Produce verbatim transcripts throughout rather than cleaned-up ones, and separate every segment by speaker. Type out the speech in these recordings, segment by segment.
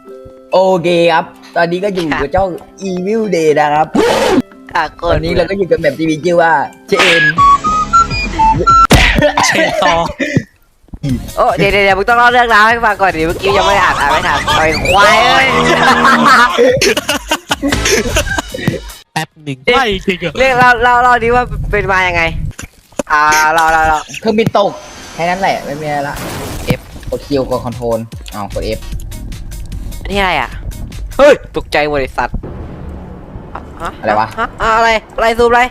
Speaker 1: โอเคครับตอนนี้ก็อยู่กับเจ้า Evil Day นะครับ
Speaker 2: อ่ะ
Speaker 1: ตอนนี้เราก็อยู่กับแบบที่มีชื่อว่าเชน
Speaker 3: เชนต่อ
Speaker 2: โอ้เดี๋ยวเดี๋ยวมึงต้องเล่าเรื่องราวให้ฟังก่อนดิเมื่อกี้ยังไม่ได้อ่านอ่านไม่ทันไอ้ควายเอ้ย
Speaker 3: แป๊บหนึ่งไม่จริงเหรอ
Speaker 2: เรื่องเราเราเราดิว่าเป็นมายังไงอ่าเราเราเรา
Speaker 1: เครื่องบินตกแค่นั้นแหละไม่มีอะไรละ
Speaker 2: F
Speaker 1: กดคิวกดคอนโทรลอ้าวกด F
Speaker 2: อันนี้อะไรอ่ะเฮ้ยตกใจบริษัทฮ
Speaker 1: อะไรวะ
Speaker 2: ฮอะอะไรอะไรซูมอะไร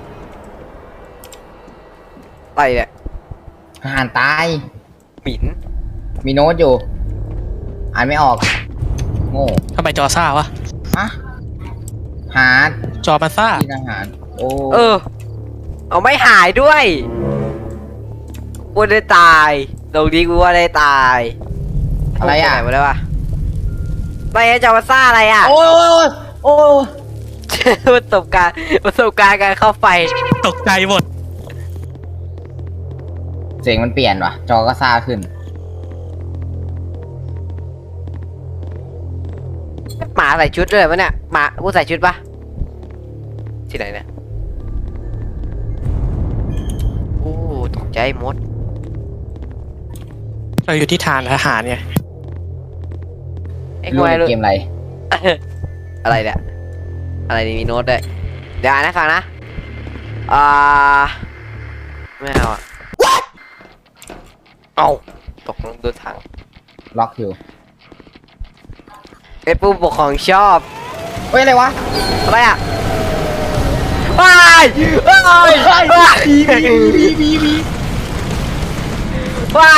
Speaker 2: อะไรเนี่ย
Speaker 1: ทหารตาย
Speaker 2: หมิ่น
Speaker 1: มีโน้ตอยู่ อ่านไม่ออกโง่
Speaker 3: ทำไมจอซ่าวะ
Speaker 1: ฮะหา
Speaker 3: จอมันซ่า
Speaker 1: ที่ทหารโอ้
Speaker 2: เออเอาไม่หายด้วยกูได้ตายตรงนี้กูว่าได้ตาย
Speaker 1: อะไรอ่ะ
Speaker 2: ปหนมาแล้ววะไม่ใช่จอมาซ่าอะไรอ่ะ
Speaker 1: โอ้ยโอ้ยโอ้ย
Speaker 2: ประสบการณ์ประสบการณ์การเข้าไฟ
Speaker 3: ตกใจหมด
Speaker 1: เสียงมันเปลี่ยนว่ะ จอก็ซ่าขึ้น
Speaker 2: หมาใส่ชุดด้วยปะเนี่ยหมากูใส่ชุดปะที่ไหนเนี่ยโอ้ตกใจหมด
Speaker 3: เราอยู่ที่ฐานทหารไง
Speaker 2: ไอ้
Speaker 1: รู้
Speaker 2: ควาย
Speaker 1: ในเกมอะไร
Speaker 2: อะไรเนี่ยอะไรนี่มีโน้ตด้วยเดี๋ยวอ่านให้ฟังนะอ่าไม่เอาอ่ะเอาตกลงดูทาง
Speaker 1: ล็อกอยู่
Speaker 2: ไอ้ผู้ปกครองชอบ
Speaker 1: เฮ้ยอะไรวะ
Speaker 2: อะไรอ่ะว้ายว้ายว้าย
Speaker 1: บีบีบีบี
Speaker 2: ว้าย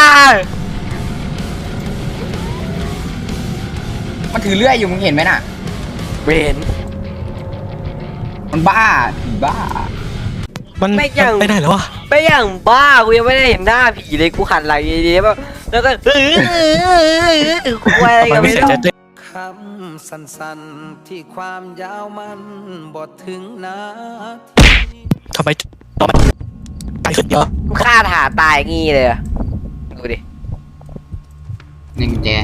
Speaker 1: มันถือเลื่อยอยู่มึงเห็นไหมน่ะ
Speaker 2: เวน
Speaker 1: มันบ้าผีบ้า
Speaker 3: มันมันไปไหนแล้ววะ
Speaker 2: ไปอย่างบ้ากูยังไม่ได้เห็นหน้าผีเลยกูหันหลังดีๆแบบแล้วก็เออกูอะไร
Speaker 3: มั
Speaker 2: กัน น
Speaker 3: ไม่
Speaker 2: ไม่
Speaker 3: เสีย
Speaker 2: รู้
Speaker 3: ใจตัว
Speaker 4: คำสั้นๆที่ความยาวมันบทถึงนาที
Speaker 3: ทำไมจอมันตายขึ้นเยอะ
Speaker 2: มึงฆ่าถาตายงี้เลยอะดูดิ
Speaker 1: หนึ่งแจ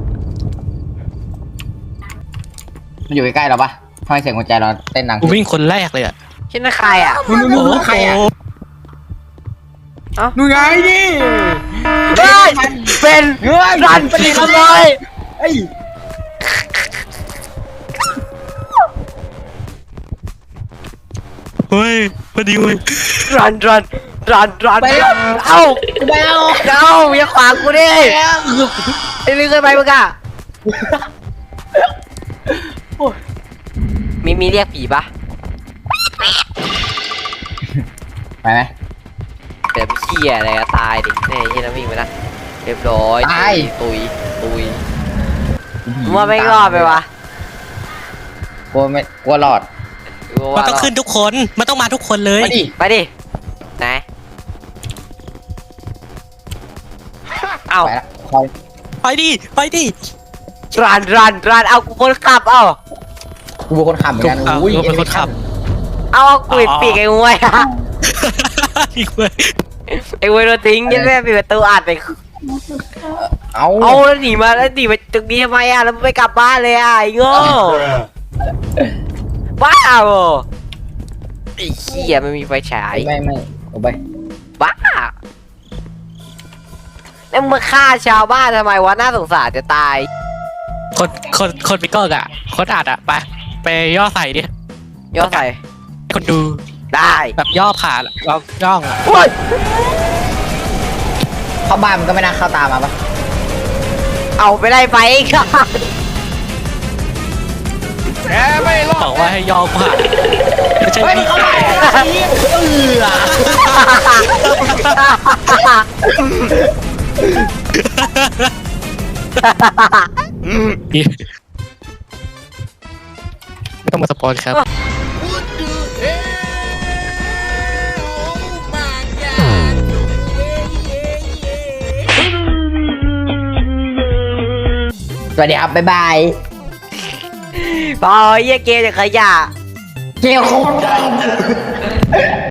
Speaker 1: มันอยู่ใกล้ๆเราปะทำไมเสียงหัวใจเราเต้นดัง
Speaker 3: กูวิ่งคนแรกเลยอ่ะ
Speaker 2: ชื่อนักใครอ่ะ
Speaker 1: นู่นนู่น
Speaker 3: โอ้
Speaker 1: นู่นใครอ่ะ
Speaker 3: โห
Speaker 2: เอ้า
Speaker 1: นู่นไงนี่
Speaker 2: เฮ้ยเป็น
Speaker 1: เฮ้ย
Speaker 2: รันเป็นขโมย
Speaker 1: เฮ้ย
Speaker 3: เฮ้ยพอดีเว้ย
Speaker 2: รันรันรันรัน
Speaker 1: ไปแล้ว
Speaker 2: เอ้า
Speaker 1: ไปแล้ว
Speaker 2: เอ้าอย่าขวางกูดิไอ้ลืมเกินไปมึงอะมีมีเรียกผีปะ
Speaker 1: ไปไหม
Speaker 2: เดี๋ยวพี่เขี้ยอะไรก็ตายดิเนี่ยไอ้เหี้ยน้ำวิ่งไปนะเรียบร้อย
Speaker 1: ตาย
Speaker 2: ตุยตุยมึงว่าไม่รอดไปวะ
Speaker 1: กลัวไม่กลัวหลอด
Speaker 2: กู
Speaker 3: มัน
Speaker 2: ว่า
Speaker 3: ต้องขึ้นทุกคน มันต้องมาทุกคนเลย
Speaker 1: มาดิ
Speaker 2: ไปดิไหนเอ้า
Speaker 1: ไปละคอย
Speaker 3: ไปดิ ไปดิ
Speaker 2: รันรันรันเอากูคนขับเอ้า
Speaker 1: กูเป็นคนขับเหมือนกัน
Speaker 3: เอา
Speaker 1: อุ้ย
Speaker 3: เราเป็นคนขับ
Speaker 2: เอาเอากูปิดปีกไอ้งวยอะ
Speaker 3: อีกเว้ย
Speaker 2: ไอ้งวยโดนทิ้งยันแม่ปิดประตูอัดไป
Speaker 1: เอา
Speaker 2: เอาแล้วหนีมาแล้วหนีไปตรงนี้ทำไมอ่ะแล้วไม่กลับบ้านเลยอ่ะไอ้โง่บ้าเหรอไอ้เหี้ยไม่มีไฟฉาย
Speaker 1: ไม่ไม่เอาไป
Speaker 2: บ้าแล้วมึงมาฆ่าชาวบ้านทำไมวะน่าสงสารจะตาย
Speaker 3: คนคนคนไปก็อ่ะ คนอัดอ่ะ ไป ไปย่อใส่ดิ
Speaker 2: ย่อใส่
Speaker 3: คนดู
Speaker 2: ได้
Speaker 3: แบบย่อผ่านย่อย่องอ่ะ
Speaker 2: โอ้ย
Speaker 1: เข้าบ้านมันก็ไม่น่าเข้าตามมาปะ
Speaker 2: เอาไปไล่ไฟค่ะ
Speaker 3: บอกว่าให้ย่อผ่านไม่ใช่
Speaker 1: เฮ้ย
Speaker 3: วิ่ง
Speaker 1: เข้ามาเออ
Speaker 3: ไม่ต้องมาสปอยครับ
Speaker 1: สวัสดีครับ บ๊ายบาย
Speaker 2: พอเยี่ยเกมจะขยะ
Speaker 1: เกลคง